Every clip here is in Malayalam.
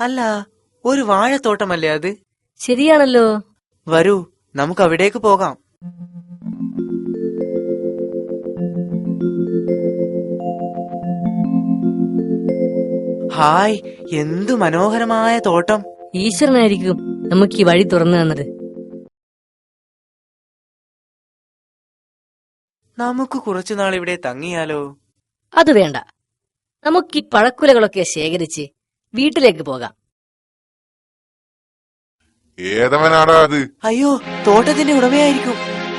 അല്ല, ഒരു വാഴത്തോട്ടമല്ലേ അത്? ശരിയാണല്ലോ. വരൂ, നമുക്ക് അവിടേക്ക് പോകാം. ഹായ്, എന്തു മനോഹരമായ തോട്ടം. ഈശ്വരനായിരിക്കും നമുക്ക് ഈ വഴി തുറന്നു തന്നത്. നമുക്ക് കുറച്ചുനാൾ ഇവിടെ തങ്ങിയാലോ? അത് വേണ്ട, നമുക്ക് ഈ പഴക്കുലകളൊക്കെ ശേഖരിച്ച് വീട്ടിലേക്ക് പോകാം. ഏതവനാടാ അത്? അയ്യോ, തോട്ടത്തിന്റെ ഉടമയായിരിക്കും.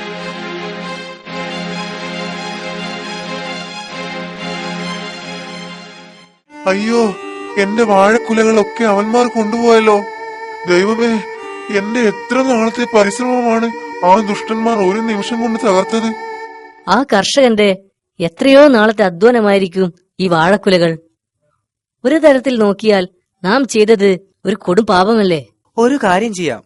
അയ്യോ, എന്റെ വാഴക്കുലകളൊക്കെ അവന്മാർ കൊണ്ടുപോയല്ലോ. ദൈവമേ, എന്റെ എത്ര നാളത്തെ പരിശ്രമമാണ് ആ ദുഷ്ടന്മാർ ഒരു നിമിഷം കൊണ്ട് തകർത്തത്. ആ കർഷകന്റെ എത്രയോ നാളത്തെ അധ്വാനമായിരിക്കും ഈ വാഴക്കുലകൾ. ഒരു തരത്തിൽ നോക്കിയാൽ നാം ചെയ്തത് ഒരു കൊടും പാപമല്ലേ? ഒരു കാര്യം ചെയ്യാം.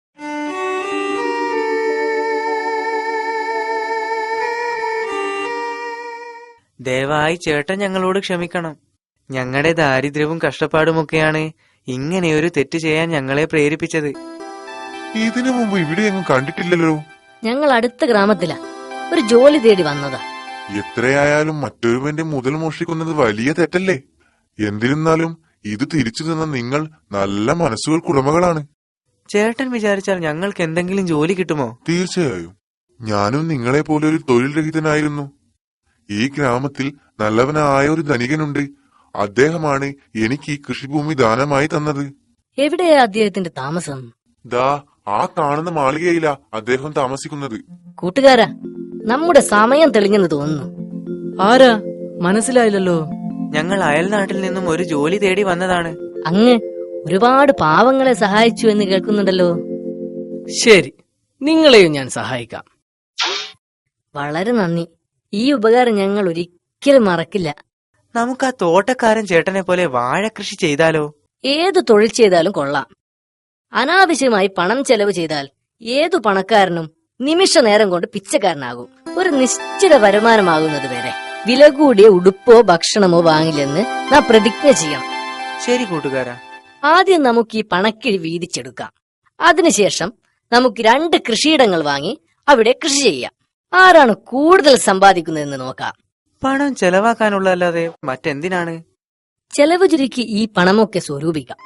ദയവായി ചേട്ടൻ ഞങ്ങളോട് ക്ഷമിക്കണം. ഞങ്ങളുടെ ദാരിദ്ര്യവും കഷ്ടപ്പാടുമൊക്കെയാണ് ഇങ്ങനെയൊരു തെറ്റ് ചെയ്യാൻ ഞങ്ങളെ പ്രേരിപ്പിച്ചത്. ഇതിനു മുമ്പ് ഇവിടെയൊന്നും കണ്ടിട്ടില്ലല്ലോ. ഞങ്ങൾ അടുത്ത ഗ്രാമത്തിലാ, ഒരു ജോലി തേടി വന്നതാ. എത്രയായാലും മറ്റൊരുവന്റെ മുതൽ മോഷ്ടിക്കുന്നത് വലിയ തെറ്റല്ലേ? എന്നിരുന്നാലും ഇത് തിരിച്ചു തന്ന നിങ്ങൾ നല്ല മനസ്സുകൾക്കുടമകളാണ്. ചേട്ടൻ വിചാരിച്ചാൽ ഞങ്ങൾക്ക് എന്തെങ്കിലും ജോലി കിട്ടുമോ? തീർച്ചയായും. ഞാനും നിങ്ങളെ പോലെ ഒരു തൊഴിൽ രഹിതനായിരുന്നു. ഈ ഗ്രാമത്തിൽ നല്ലവനായ ഒരു ധനികനുണ്ട്. അദ്ദേഹമാണ് എനിക്ക് ഈ കൃഷിഭൂമി ദാനമായി തന്നത്. എവിടെയാ അദ്ദേഹത്തിന്റെ താമസം? ദാ ആ കാണുന്ന മാളികയിലാ അദ്ദേഹം താമസിക്കുന്നത്. കൂട്ടുകാരാ, നമ്മുടെ സമയം തെളിഞ്ഞെന്ന് തോന്നുന്നു. ആരാ? മനസ്സിലായില്ലല്ലോ. ഞങ്ങൾ അയൽനാട്ടിൽ നിന്നും ഒരു ജോലി തേടി വന്നതാണ്. അങ്ങ് ഒരുപാട് പാവങ്ങളെ സഹായിച്ചു എന്ന് കേൾക്കുന്നുണ്ടല്ലോ. ശരി, നിങ്ങളെയും ഞാൻ സഹായിക്കാം. വളരെ നന്ദി. ഈ ഉപകാരം ഞങ്ങൾ ഒരിക്കലും മറക്കില്ല. നമുക്ക് ആ തോട്ടക്കാരൻ ചേട്ടനെ പോലെ വാഴകൃഷി ചെയ്താലോ? ഏതു തൊഴിൽ ചെയ്താലും കൊള്ളാം. അനാവശ്യമായി പണം ചെലവ് ചെയ്താൽ ഏതു പണക്കാരനും നിമിഷ നേരം കൊണ്ട് പിച്ചക്കാരനാകും. ഒരു നിശ്ചിത വരുമാനമാകുന്നത് വരെ വില കൂടിയ ഉടുപ്പോ ഭക്ഷണമോ വാങ്ങില്ലെന്ന് നാം പ്രതിജ്ഞ ചെയ്യണം. ശരി കൂട്ടുകാരാ. ആദ്യം നമുക്ക് ഈ പണക്കിഴി വീതിച്ചെടുക്കാം. അതിനുശേഷം നമുക്ക് 2 കൃഷിയിടങ്ങൾ വാങ്ങി അവിടെ കൃഷി ചെയ്യാം. ആരാണ് കൂടുതൽ സമ്പാദിക്കുന്നതെന്ന് നോക്കാം. പണം ചെലവാക്കാനുള്ളതല്ലാതെ മറ്റെന്തിനാണ്? ചെലവ് ചുരുക്കി ഈ പണമൊക്കെ സ്വരൂപിക്കാം.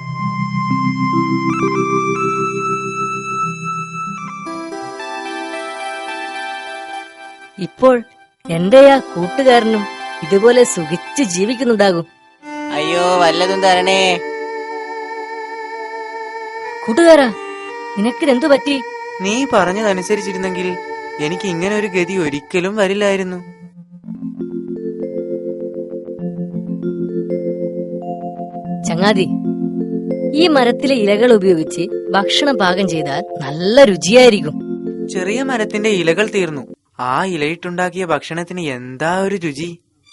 ഇപ്പോൾ എന്റെ ആ കൂട്ടുകാരനും ഇതുപോലെ സുഖിച്ച് ജീവിക്കുന്നുണ്ടാകും. അയ്യോ, വല്ലതും തരണേ. കൂട്ടുകാരാ, നിനക്കിതെന്തു പറ്റി? നീ പറഞ്ഞതനുസരിച്ചിരുന്നെങ്കിൽ എനിക്ക് ഇങ്ങനെ ഒരു ഗതി ഒരിക്കലും വരില്ലായിരുന്നു. ചങ്ങാതി, ഈ മരത്തിലെ ഇലകൾ ഉപയോഗിച്ച് ഭക്ഷണം പാകം ചെയ്താൽ നല്ല രുചിയായിരിക്കും. ചെറിയ മരത്തിന്റെ ഇലകൾ തീർന്നു. ആ ഇലയിട്ടുണ്ടാക്കിയ ഭക്ഷണത്തിന് എന്താ ഒരു രുചി!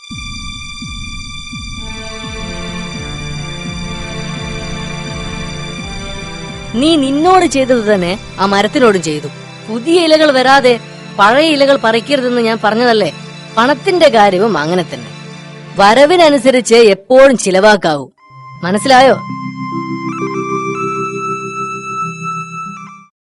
നീ നിന്നോട് ചെയ്തത് തന്നെ ആ മരത്തിനോടും ചെയ്തു. പുതിയ ഇലകൾ വരാതെ പഴയ ഇലകൾ പറിക്കരുതെന്ന് ഞാൻ പറഞ്ഞതല്ലേ? പണത്തിന്റെ കാര്യവും അങ്ങനെ തന്നെ. വരവിനനുസരിച്ച് എപ്പോഴും ചിലവാക്കാവൂ. മനസ്സിലായോ?